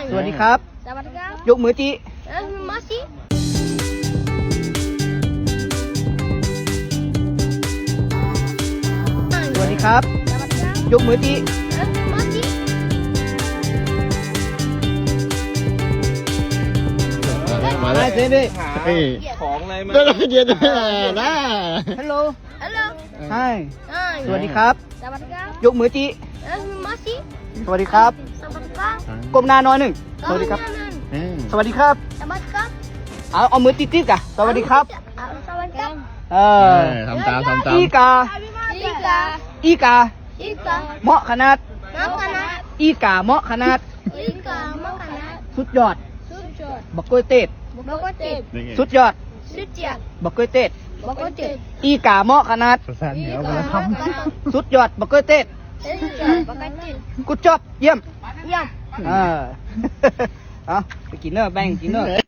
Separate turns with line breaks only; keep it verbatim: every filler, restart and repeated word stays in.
สวัสดีครับยกมือจีสวัสดีครับยกมือจี
มา
ได้
แล้ว
เซนดิ
เฮ้ย
ของอะไรมา
เดี๋ยวเดี๋ยวนะ
ฮัลโหล
Hello.
ใช่สวัสดีครับ
Sawadika.
ยกมือจี
Masih.
สวัสดีครับ
Sawadika.
ก้มหน้าน้อยหนึ่งสวัสดีครับ สวัสดีครับ
Sawadika.
เอาเอามือติดๆกันสวัสดีครับ
Sawadika.
เออ
ทำตามทำตาม
อีกา
Ika.
อีกา
Ika.
เหมาะขนาด
Makanan.
อีกาเหมาะขนาด
Ika. Makanan.
สุดยอด
Sujud.
บักกล้วยเต็ด
Bokotip.
สุดยอด
Sujud.
บักกล้วยเต็ด
Bokotip.
อีกาเหมาะขนาด
ภาษาเหนือ
Ika.
มาแล้วท
Makanan.
สุดยอดบักกล้วยเต็ด
Sujud. Bokotip.
กูจอบเยี่ยม
Ya.
เออ เอาไปกินเนอร์แบ่งกินเนอร์